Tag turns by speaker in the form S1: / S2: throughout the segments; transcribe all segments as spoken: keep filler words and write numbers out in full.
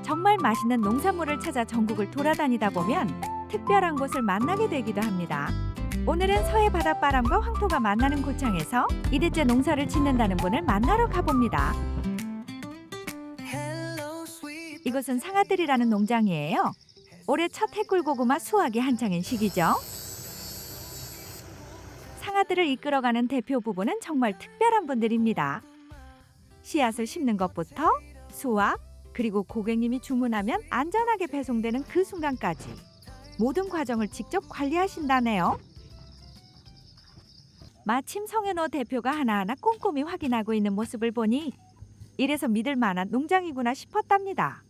S1: 정말 맛있는 농산물을 찾아 전국을 돌아다니다 보면 특별한 곳을 만나게 되기도 합니다. 오늘은 서해 바닷바람과 황토가 만나는 고창에서 이대째 농사를 짓는다는 분을 만나러 가봅니다. 이곳은 상아들이라는 농장이에요. 올해 첫 해꿀고구마 수확이 한창인 시기죠. 상아들을 이끌어가는 대표 부부는 정말 특별한 분들입니다. 씨앗을 심는 것부터 수확, 그리고 고객님이 주문하면 안전하게 배송되는 그 순간까지 모든 과정을 직접 관리하신다네요. 마침 성현호 대표가 하나하나 꼼꼼히 확인하고 있는 모습을 보니 이래서 믿을 만한 농장이구나 싶었답니다.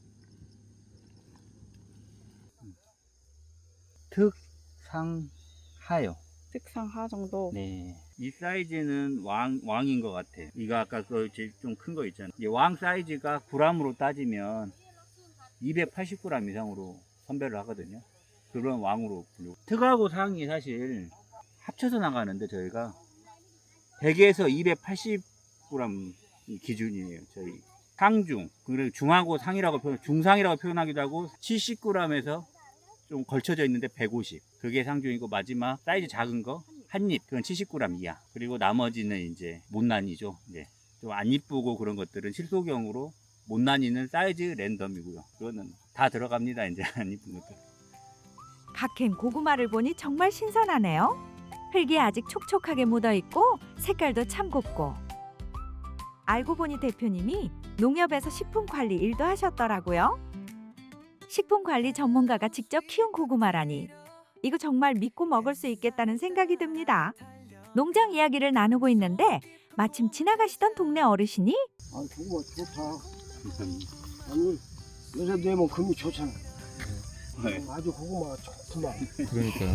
S2: 특상하요.
S3: 특상하 정도.
S2: 네. 이 사이즈는 왕, 왕인 것 같아요. 이거 아까 그 좀 큰 거 있잖아요. 이 왕 사이즈가 그램으로 따지면 이백팔십 그램 이상으로 선별을 하거든요. 그런 왕으로 불리고. 특하고 상이 사실 합쳐서 나가는데 저희가 백에서 이백팔십 그램 기준이에요. 저희 상중, 그리고 중하고 상이라고 표현, 중상이라고 표현하기도 하고 칠십 그램에서 좀 걸쳐져 있는데 백오십. 그게 상중이고 마지막 사이즈 작은 거 한입, 그건 칠십 그램 이하. 그리고 나머지는 이제 못난이죠. 이제 좀 안 이쁘고 그런 것들은 실소경으로 못난이는 사이즈 랜덤이고요. 그거는 다 들어갑니다. 이제 안 이쁜 것들.
S1: 갓캔 고구마를 보니 정말 신선하네요. 흙이 아직 촉촉하게 묻어있고 색깔도 참 곱고. 알고 보니 대표님이 농협에서 식품관리 일도 하셨더라고요. 식품관리 전문가가 직접 키운 고구마라니 이거 정말 믿고 먹을 수 있겠다는 생각이 듭니다. 농장 이야기를 나누고 있는데 마침 지나가시던 동네 어르신이
S4: 아, 고구마 좋다. 아니, 요새 내면 금이 좋잖아.
S2: 네.
S4: 아주 고구마가 좋구만.
S5: 그러니까요.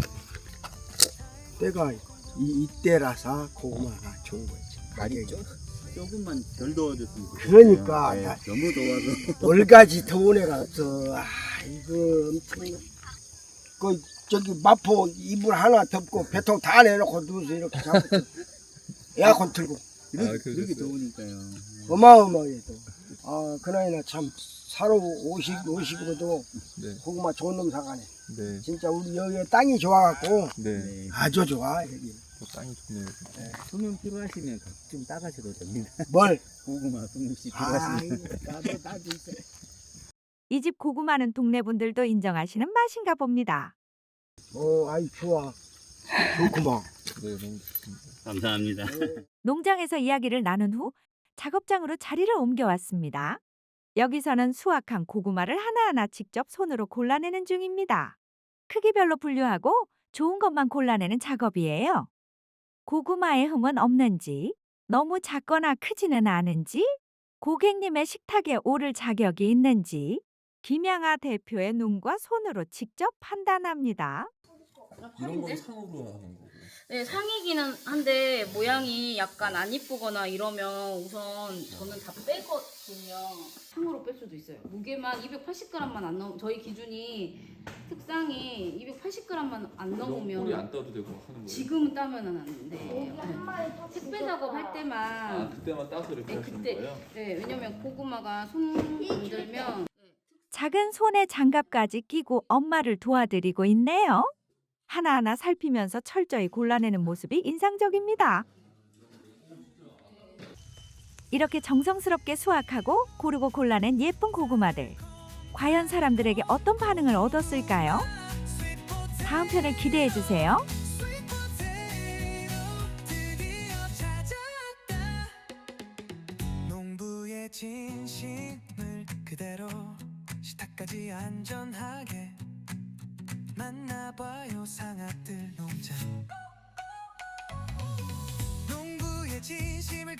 S4: 때가 이, 이때라서 고구마가 좋은 거지. 가격이.
S2: 조금만 덜 더워졌으면 좋겠어요.
S4: 그러니까
S2: 네,
S4: 야,
S2: 너무 더워서.
S4: 월가지 더운 애가 없어. 아, 이거 엄청. 그 저기 마포 이불 하나 덮고 배통 다 내놓고 누워서 이렇게 자고 에어컨 틀고
S2: 이렇게,
S5: 아, 그러셨어요?
S2: 이렇게 더우니까요.
S4: 어마어마해 또. 아, 그나이나 참 사로 오십 오십으로도
S5: 네.
S4: 고구마 좋은 놈 사가네.
S5: 네.
S4: 진짜 우리 여기 땅이 좋아갖고
S5: 네.
S2: 네.
S4: 아주 좋아 여기.
S5: 또 땅이 좋네요.
S2: 수능 필요하시면 좀 따가셔도 됩니다.
S4: 뭘?
S2: 고구마 수능씨
S4: 아,
S2: 필요하시면.
S4: 나도 나도 있어.
S1: 이 집 고구마는 동네 분들도 인정하시는 맛인가 봅니다.
S4: 어, 아이 좋아. 좋구만.
S5: 네, 너무 좋습니다.
S2: 감사합니다.
S1: 농장에서 이야기를 나눈 후 작업장으로 자리를 옮겨왔습니다. 여기서는 수확한 고구마를 하나하나 직접 손으로 골라내는 중입니다. 크기별로 분류하고 좋은 것만 골라내는 작업이에요. 고구마에 흠은 없는지, 너무 작거나 크지는 않은지, 고객님의 식탁에 오를 자격이 있는지 김양아 대표의 눈과 손으로 직접 판단합니다.
S5: 이런 건 상으로 하는 거고.
S3: 네, 상이기는 한데 모양이 약간 안 이쁘거나 이러면 우선 저는 다 빼거든요. 상으로 뺄 수도 있어요. 무게만 이백팔십 그램만 안 넘. 저희 기준이 특상이 이백팔십 그램만 안 넘으면
S5: 꼬리 안 따도 되고 하는 거예요.
S3: 지금은 따면은 안 돼요. 네. 택배 작업할 때만.
S5: 아, 그때만 따서 이렇게
S3: 네,
S5: 하시는
S3: 그때.
S5: 거예요?
S3: 네, 왜냐면 고구마가 손 건들면
S1: 작은 손에 장갑까지 끼고 엄마를 도와드리고 있네요. 하나하나 살피면서 철저히 골라내는 모습이 인상적입니다. 이렇게 정성스럽게 수확하고 고르고 골라낸 예쁜 고구마들. 과연 사람들에게 어떤 반응을 얻었을까요? 다음 편을 기대해 주세요.
S6: 농부의 진심을 그대로 식탁까지 안전하게 만나봐요 상아들 농장 농부의 진심을